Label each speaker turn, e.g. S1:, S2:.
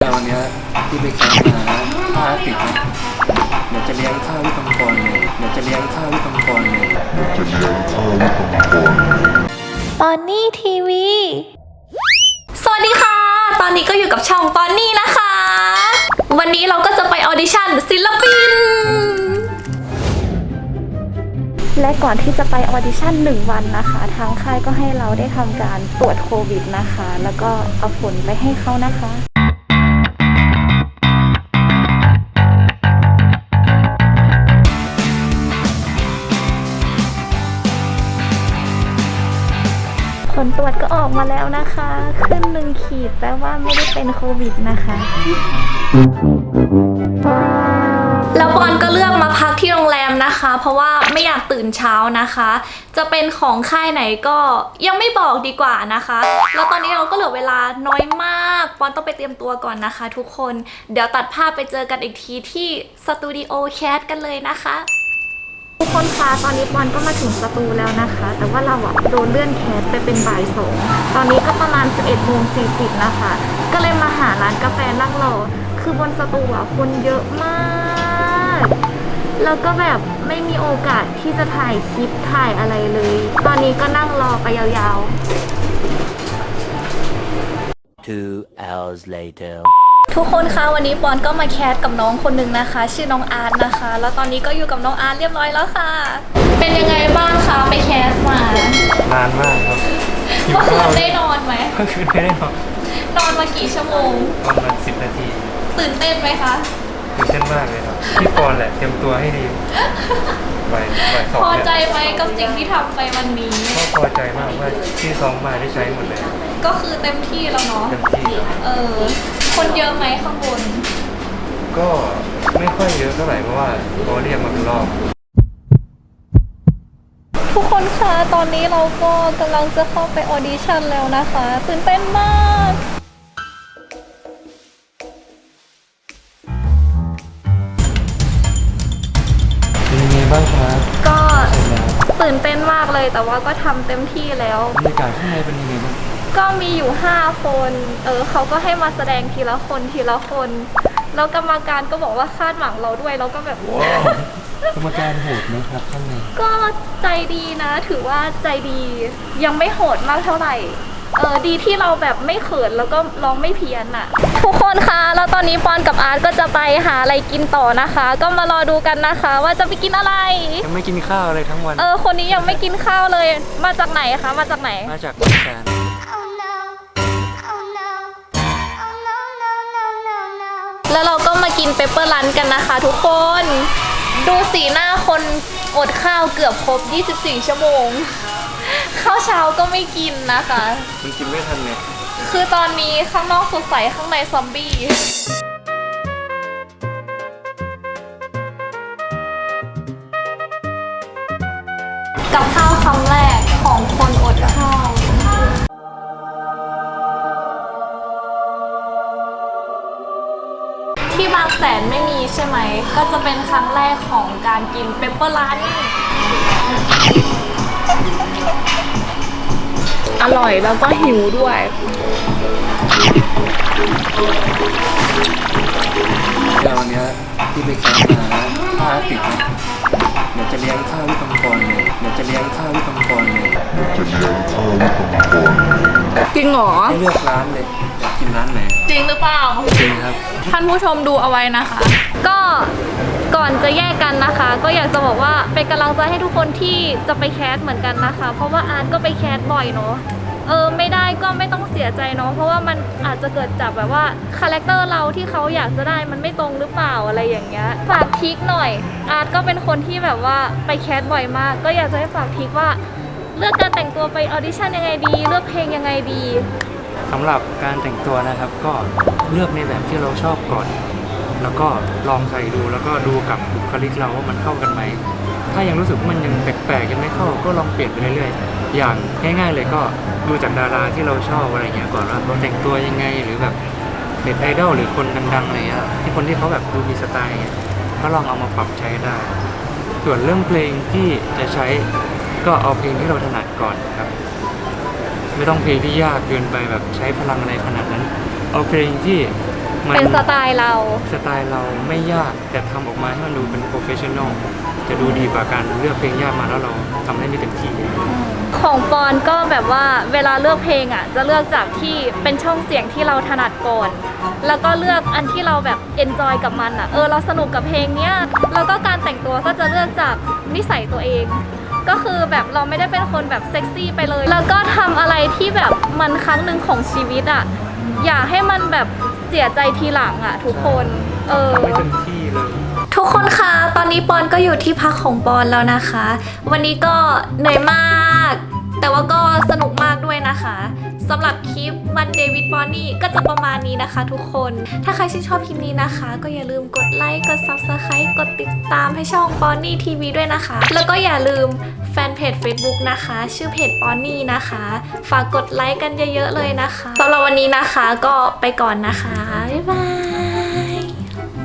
S1: วันนี้ที่ไปแคมป์มาถ้าติดนะเดี๋ยวจะเลี้ยงข้าวที่กำปอนเลยเดี๋ยวจะเลี้ยงข้าวที่กำปอนเลย
S2: ปอนนี่ทีวีสวัสดีค่ะตอนนี้ก็อยู่กับช่องปอนนี่นะคะ วันนี้เราก็จะไปออดิชั่นศิลปินและก่อนที่จะไปออดิชั่น1 วันนะคะทางค่ายก็ให้เราได้ทำการตรวจโควิดนะคะแล้วก็เอาผลไปให้เขานะคะผลตรวจก็ออกมาแล้วนะคะขึ้น1 ขีดแปลว่าไม่ได้เป็นโควิดนะคะแล้วปอนก็เลือกมาพักที่โรงแรมนะคะเพราะว่าไม่อยากตื่นเช้านะคะจะเป็นของค่ายไหนก็ยังไม่บอกดีกว่านะคะแล้วตอนนี้เราก็เหลือเวลาน้อยมากปอนต้องไปเตรียมตัวก่อนนะคะทุกคนเดี๋ยวตัดภาพไปเจอกันอีกทีที่สตูดิโอแคสกันเลยนะคะทุกคนคะตอนนี้ปอนก็มาถึงสตูแล้วนะคะแต่ว่าเราโดนเลื่อนแคสไปเป็นบ่าย2ตอนนี้ก็ประมาณ 11:40 นะคะก็เลยมาหาร้านกาแฟนั่งรอคือบนสตูคนเยอะมากแล้วก็แบบไม่มีโอกาสที่จะถ่ายคลิปถ่ายอะไรเลยตอนนี้ก็นั่งรอไปยาว
S3: 2 hours later
S2: ทุกคนคะวันนี้ปอนก็มาแคสกับน้องคนหนึ่งนะคะชื่อน้องอาร์ตนะคะแล้วตอนนี้ก็อยู่กับน้องอาร์ตเรียบร้อยแล้วค่ะเป็นยังไงบ้างคะไปแคสมาน
S1: านมากครับ
S2: เมื่อคืนได้นอนไหม
S1: เมื่อคืนไม่ได้นอน
S2: นอนมากี่ชั่วโมง
S1: ประมาณ10 นาที
S2: ตื่นเต้นไหมคะ
S1: ตื่นเต้นมากเลยครับพี่ปอนแหละเตรียมตัวให้ดีบ่ายสอง
S2: พอใจไหมกับสิ่งที่ทำไปวันนี้
S1: ก็พอใจมากว่าที่ซ้อมมาได้ใช้หมดเลย
S2: ก็คือเต็มที่แล้วเนาะ
S1: เต็มที่
S2: คนเยอะไหมข้างบน
S1: ก็ไม่ค่อยเยอะเท่าไหร่เพราะว่าเขาเรียกมาเป็นรอบ
S2: ทุกคนคะตอนนี้เราก็กำลังจะเข้าไปออดิชั่นแล้วนะคะตื่นเต้นมาก
S1: เป็นยังไงบ้างครับ
S2: ก็ตื่นเต้นมากเลยแต่ว่าก็ทำเต็มที่แล้ว
S1: บรรยากาศข้างในเป็นยังไงบ้าง
S2: ก็มีอยู่5 คนเขาก็ให้มาแสดงทีละคนทีละคนแล้วกรรมการก็บอกว่าคาดหวังเราด้วยเราก็แบบว้าว
S1: กรรมการโหดไหมครับข้างใน
S2: ก็ใจดีนะถือว่าใจดียังไม่โหดมากเท่าไหร่ดีที่เราแบบไม่เขินแล้วก็ร้องไม่เพี้ยนอ่ะทุกคนคะแล้วตอนนี้ปอนกับอาร์ตก็จะไปหาอะไรกินต่อนะคะก็มารอดูกันนะคะว่าจะไปกินอะไร
S1: ยังไม่กินข้าวเลยทั้งวัน
S2: คนนี้ยังไม่กินข้าวเลยมาจากไหนคะมาจากไหน
S1: มาจากบางแสน
S2: แล้วเราก็มากินเปปเปอร์รันกันนะคะทุกคนดูสีหน้าคนอดข้าวเกือบครบ24 ชั่วโมงข้าวเช้าก็ไม่กินนะคะ
S1: มันกินไม่ทันเนี่ย
S2: คือตอนนี้ข้างนอกสดใสข้างในซอมบี้กับข้าวคำแรกของคนอดข้าวที่บางแสนไม่มีใช่ไหมก็จะเป็นครั้งแรกของการกินเปปเปอร์รันอร่อยแล้วก็หิวด้วย
S1: วันนี้ที่ไปแคมป์มาถ้าติดนะเดี๋ยวจะเลี้ยงข้าวที่กำปอนเลยเดี๋ยวจะเลี้ยงข้าวที่กำปอนเลย
S2: จริงเหรอ
S1: ให้เลือกร้านเลยอยากกินร้านไหน
S2: จริงหรือเปล่า
S1: จริงครับ
S2: ท่านผู้ชมดูเอาไว้นะคะก็ก่อนจะแยกกันนะคะก็อยากจะบอกว่าเป็นกำลังใจให้ทุกคนที่จะไปแคสเหมือนกันนะคะเพราะว่าอาร์ตก็ไปแคสบ่อยเนาะไม่ได้ก็ไม่ต้องเสียใจเนาะเพราะว่ามันอาจจะเกิดจากแบบว่าคาแรคเตอร์เราที่เขาอยากจะได้มันไม่ตรงหรือเปล่าอะไรอย่างเงี้ยฝากทิกหน่อยอาร์ตก็เป็นคนที่แบบว่าไปแคสบ่อยมากก็อยากจะให้ฝากทิกว่าเลือกการแต่งตัวไปออดิชั่นยังไงดีเลือกเพลงยังไงดี
S1: สำหรับการแต่งตัวนะครับก็เลือกในแบบที่เราชอบก่อนแล้วก็ลองใส่ดูแล้วก็ดูกับบุคลิกเราว่ามันเข้ากันไหมถ้ายังรู้สึกว่ามันยังแปลกๆยังไม่เข้าก็ลองเปลี่ยนไปเรื่อยๆอย่างง่ายๆเลยก็ดูจากดาราที่เราชอบอะไรเงี้ยก่อนว่าเขาแต่งตัวยังไงหรือแบบเน็ตไอดอลหรือคนดังๆอะไรเงี้ยที่คนที่เขาแบบดูมีสไตล์เงี้ยก็ลองเอามาปรับใช้ได้ส่วนเรื่องเพลงที่จะใช้ก็เอาเพลงที่เราถนัดก่อนครับไม่ต้องเพลงที่ยากเกินไปแบบใช้พลังอะไรขนาดนั้นเอาเพลงที่
S2: เป็นสไตล์เรา
S1: สไตล์เราไม่ยากแต่ทำออกมาให้มันดูเป็นโปรเฟชชั่นอลจะดูดีกว่าการเลือกเพลงยากมาแล้วเราทำได้ไม่เต็มที่
S2: ของปอนก็แบบว่าเวลาเลือกเพลงอ่ะจะเลือกจากที่เป็นช่องเสียงที่เราถนัดก่อน แล้วก็เลือกอันที่เราแบบเอนจอยกับมันอ่ะเราสนุกกับเพลงเนี้ยแล้วก็การแต่งตัวก็จะเลือกจากนิสัยตัวเอง ก็คือแบบเราไม่ได้เป็นคนแบบเซ็กซี่ไปเลย แล้วก็ทำอะไรที่แบบมันครั้งหนึ่งของชีวิตอ่ะอย่าให้มันแบบเสียใจทีหลังอ่ะทุกคน
S1: ทำไม่เต็มที่เลย
S2: ทุกคนคะตอนนี้ปอนก็อยู่ที่พักของปอนแล้วนะคะ วันนี้ก็เหนื่อยมาก แต่ว่าก็สนุกมากด้วยนะคะสำหรับคลิปวันเดวิดปอนนี่ก็จะประมาณนี้นะคะทุกคน ถ้าใครชื่นชอบคลิปนี้นะคะ ก็อย่าลืมกดไลค์ กด Subscribe กดติดตามให้ช่องปอนนี่ทีวีด้วยนะคะ แล้วก็อย่าลืมแฟนเพจ Facebook นะคะ ชื่อเพจปอนนี่นะคะ ฝากกดไลค์กันเยอะๆเลยนะคะสำหรับวันนี้นะคะก็ไปก่อนนะคะ บ๊ายบาย